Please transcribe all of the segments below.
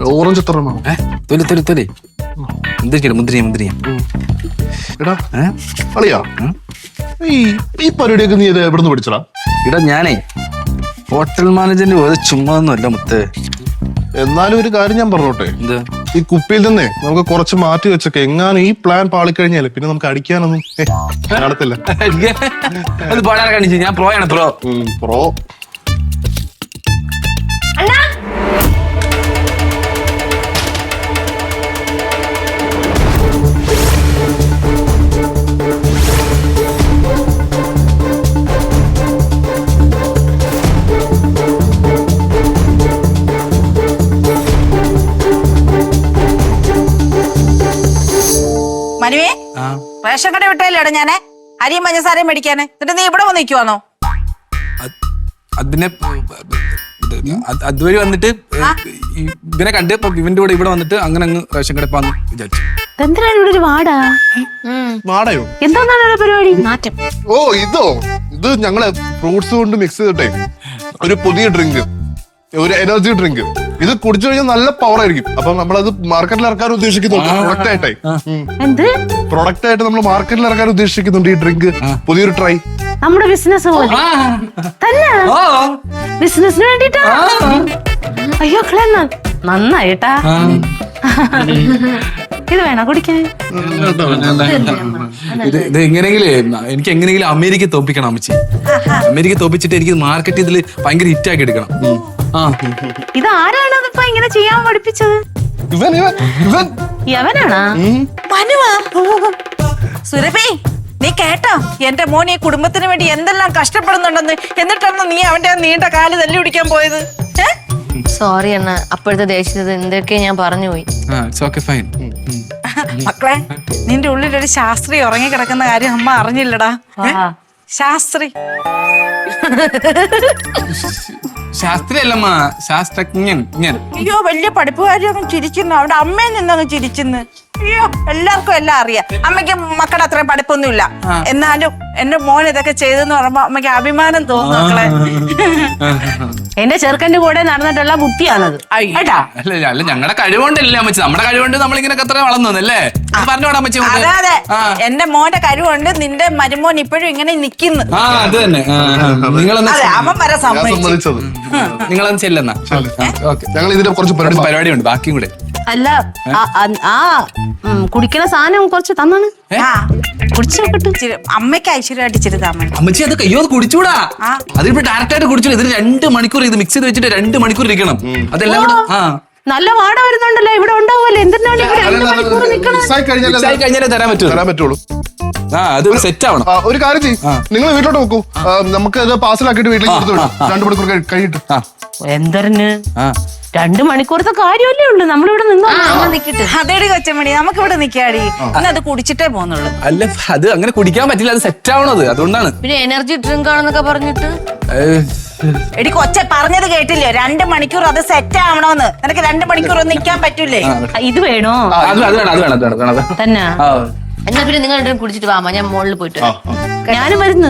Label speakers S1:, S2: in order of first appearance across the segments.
S1: Orange എത്ര എണ്ണം?
S2: മുന്തിരിയ
S1: എടാ അളിയാ, ഈ പരിപാടിയൊക്കെ നീ എവിടുന്ന് പഠിച്ചടാ?
S2: ഇടാ ഞാനേ ഹോട്ടൽ മാനേജറിന്റെ വേറെ ചുമ്മാ ഒന്നുമല്ല മുത്ത്.
S1: എന്നാലും ഒരു കാര്യം ഞാൻ പറഞ്ഞോട്ടെ,
S2: എന്താ
S1: ഈ കുപ്പിയിൽ നിന്നേ നമുക്ക് കുറച്ച് മാറ്റി വെച്ചൊക്കെ എങ്ങാനും ഈ പ്ലാൻ പാളിക്കഴിഞ്ഞാല് പിന്നെ നമുക്ക് അടിക്കാനൊന്നും നടത്തില്ല.
S2: അത് പാടാൻ കാണിച്ചു. ഞാൻ പ്രോയാണ് പ്രോ.
S1: പ്രോ
S3: മനുവേ, റേഷൻ കട വിട്ടല്ലേടാ ഞാന് അരിയും പഞ്ചസാരയും മേടിക്കാന്. എന്നിട്ട് നീ ഇവിടെ വന്ന് നിൽക്കുവാന്നോ?
S2: അതിനെ അതുവഴി വന്നിട്ട് ഇവനെ കണ്ട് ഇവന്റെ കൂടെ ഇവിടെ വന്നിട്ട് അങ്ങനെ അങ്ങ് റേഷൻ കട പോന്ന് വിചാരിച്ചു.
S4: എന്തിനാണ് ഇവിടെ ഒരു വാടാ?
S1: വാടയോ?
S4: എന്താണ് പരിപാടി? മാറ്റം.
S1: ഓ ഇത് ഞങ്ങള് ഫ്രൂട്ട്സ് കൊണ്ട് മിക്സ് ചെയ്തിട്ടേ ഒരു പുതിയ ഡ്രിങ്ക്, ഒരു എനർജി ഡ്രിങ്ക്. ഇത് കുടിച്ചു കഴിഞ്ഞാൽ നല്ല പവർ ആയിരിക്കും. അപ്പൊ നമ്മളത് മാർക്കറ്റിൽ ഇറക്കാൻ ഉദ്ദേശിക്കുന്നുണ്ട്. പ്രൊഡക്റ്റ് ആയിട്ട് നമ്മൾ മാർക്കറ്റിൽ ഇറക്കാൻ ഉദ്ദേശിക്കുന്നുണ്ട് ഈ ഡ്രിങ്ക്. പുതിയൊരു ട്രൈ.
S4: നമ്മുടെ ബിസിനസ് പോലെ തന്നെ. ബിസിനസിന് വേണ്ടിട്ടാ? അയ്യോ നന്നായിട്ടാ. ഇത് വേണോ കുടിക്കാൻ?
S2: ഇത് എങ്ങനെയെങ്കിലും എനിക്ക് എങ്ങനെയെങ്കിലും അമേരിക്ക തോപ്പിക്കണം അമ്മച്ചി. അമേരിക്ക തോപ്പിച്ചിട്ട് എനിക്ക് മാർക്കറ്റ് ഇതിൽ ഭയങ്കര ഹിറ്റാക്കി എടുക്കണം.
S4: ഇത് ആരാണ് ഇപ്പൊ ഇങ്ങനെ ചെയ്യാൻ പഠിപ്പിച്ചത്? യവനാണാ?
S3: സുരഭി, നീ കേട്ടോ എന്റെ മോൻ ഈ കുടുംബത്തിന് വേണ്ടി എന്തെല്ലാം കഷ്ടപ്പെടുന്നുണ്ടെന്ന്? എന്നിട്ടാണ് നീ അവന്റെ നീണ്ട കാല് തല്ലി പിടിക്കാൻ പോയത്?
S4: സോറി അണ്ണ, അപ്പോഴത്തെ ദേഷ്യത്തിൽ എന്തൊക്കെ ഞാൻ പറഞ്ഞു പോയി.
S3: മക്കളെ, നിന്റെ ഉള്ളിലൊരു ശാസ്ത്രി ഉറങ്ങി കിടക്കുന്ന കാര്യം അമ്മ അറിഞ്ഞില്ലടാ. ശാസ്ത്രി
S2: ശാസ്ത്രിയല്ലമ്മ, ശാസ്ത്രജ്ഞൻ.
S3: അയ്യോ, വലിയ പഠിപ്പുകാരി ചിരിക്കുന്നു. അവിടെ അമ്മയിൽ നിന്നങ്ങ് ചിരിക്കുന്നു. അയ്യോ, എല്ലാവർക്കും എല്ലാം അറിയാം. അമ്മയ്ക്ക് മക്കളുടെ അത്രയും പഠിപ്പൊന്നുമില്ല. എന്നാലും എന്റെ മോൻ ഇതൊക്കെ ചെയ്തെന്ന് പറയുമ്പോ അമ്മയ്ക്ക് അഭിമാനം തോന്നുന്നു മക്കളെ.
S4: എന്റെ ചെറുക്കന്റെ കൂടെ നടന്നിട്ടുള്ള ബുദ്ധിയാണത്.
S2: അല്ല ഞങ്ങളുടെ കഴിവുകൊണ്ടല്ലേ അമ്മച്ചി. നമ്മുടെ കഴിവുകൊണ്ട് നമ്മളിങ്ങനെ അത്ര വളർന്നല്ലേ പറഞ്ഞോടാ അമ്മച്ചി.
S3: അതെ, എന്റെ മോന്റെ കഴിവുണ്ട്. നിന്റെ മരുമോൻ ഇപ്പോഴും ഇങ്ങനെ നിക്കുന്നു.
S2: അത് തന്നെ.
S3: അവൻ വരെ
S1: സമ്മതിച്ചത്.
S2: നിങ്ങളൊന്ന് ചെല്ലെന്നാ.
S1: ഞങ്ങൾ ഇതിന്റെ കുറച്ച്
S2: പരിപാടിയുണ്ട്, ബാക്കിയും കൂടെ.
S4: അല്ല, കുടിക്കണ സാധനം കുറച്ച് തന്നാണ്. കുടിച്ചു നോക്കട്ടെ.
S3: അമ്മയ്ക്ക് ഐശ്വര്യമായിട്ട് ഇച്ചിരി താമ.
S2: അമ്മച്ചി അത് കയ്യോ കുടിച്ചൂടാ. അതിപ്പോ ഡയറക്റ്റ് ആയിട്ട് കുടിച്ചു. ഇതിന് 2 മണിക്കൂർ ഇത് മിക്സ് ചെയ്ത് വെച്ചിട്ട് 2 മണിക്കൂർ ഇരിക്കണം. അതെല്ലാം കൂടെ
S4: നല്ല വാട വരുന്നുണ്ടല്ലോ. ഇവിടെ ഉണ്ടാവുമല്ലോ. എന്തിനാണ്
S2: കഴിഞ്ഞാലേ തരാൻ പറ്റുള്ളൂ. അത് സെറ്റ് ആവണം.
S1: ഒരു കാര്യം ചെയ്യും, നിങ്ങൾ വീട്ടിലോട്ട് നോക്കൂ. നമുക്ക് ഇത് പാർസലാക്കിയിട്ട് വീട്ടിലേക്ക് കൊടുത്തു വിടാം. 2 മണിക്കൂർ കഴിഞ്ഞിട്ട്.
S4: എന്തരന് 2 മണിക്കൂറത്തെ കാര്യമല്ലേ ഉള്ളു. നമ്മളിവിടെ നിന്നോ
S3: അതേടി കൊച്ചമണി, നമുക്ക് ഇവിടെ നിക്കാടി. അത് കുടിച്ചിട്ടേ പോന്നുള്ളൂ.
S2: അല്ല, അത് അങ്ങനെ കുടിക്കാൻ പറ്റില്ല. അത് സെറ്റ് ആവണത് അതുകൊണ്ടാണ്.
S4: പിന്നെ എനർജി ഡ്രിങ്ക് ആണെന്നൊക്കെ പറഞ്ഞിട്ട്
S3: എടി കൊച്ച പറഞ്ഞത് കേട്ടില്ലേ? 2 മണിക്കൂർ അത് സെറ്റ് ആവണോന്ന്. നിനക്ക് 2 മണിക്കൂർ ഒന്നും നിക്കാൻ പറ്റൂലേ?
S4: ഇത് വേണോ?
S2: അത് വേണം
S4: തന്നെ. എന്നാ പിന്നെ നിങ്ങൾ കുടിച്ചിട്ട് വാമ, ഞാൻ മുകളിൽ പോയിട്ട്. ഞാനും വരുന്നു.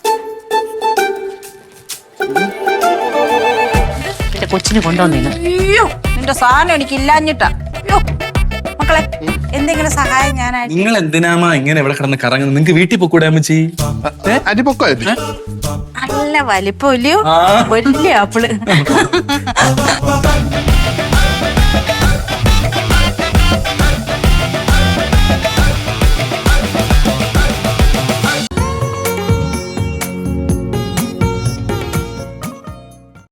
S4: കൊച്ചിന് കൊണ്ടുവന്നില്ല.
S3: അയ്യോ, നിന്റെ സാധനം എനിക്ക് ഇല്ലാഞ്ഞിട്ടാ. അയ്യോ മക്കളെ, എന്തെങ്കിലും സഹായം ഞാനായിട്ട്.
S2: നിങ്ങൾ എന്തിനാമ ഇങ്ങനെ ഇവിടെ കിടന്ന് കറങ്ങുന്നത്? നിങ്ങക്ക് വീട്ടിൽ പോക്കൂടെ അമ്മച്ചി?
S3: നല്ല വലിപ്പമില്ലയോ? വലിയ ആപ്പിള്.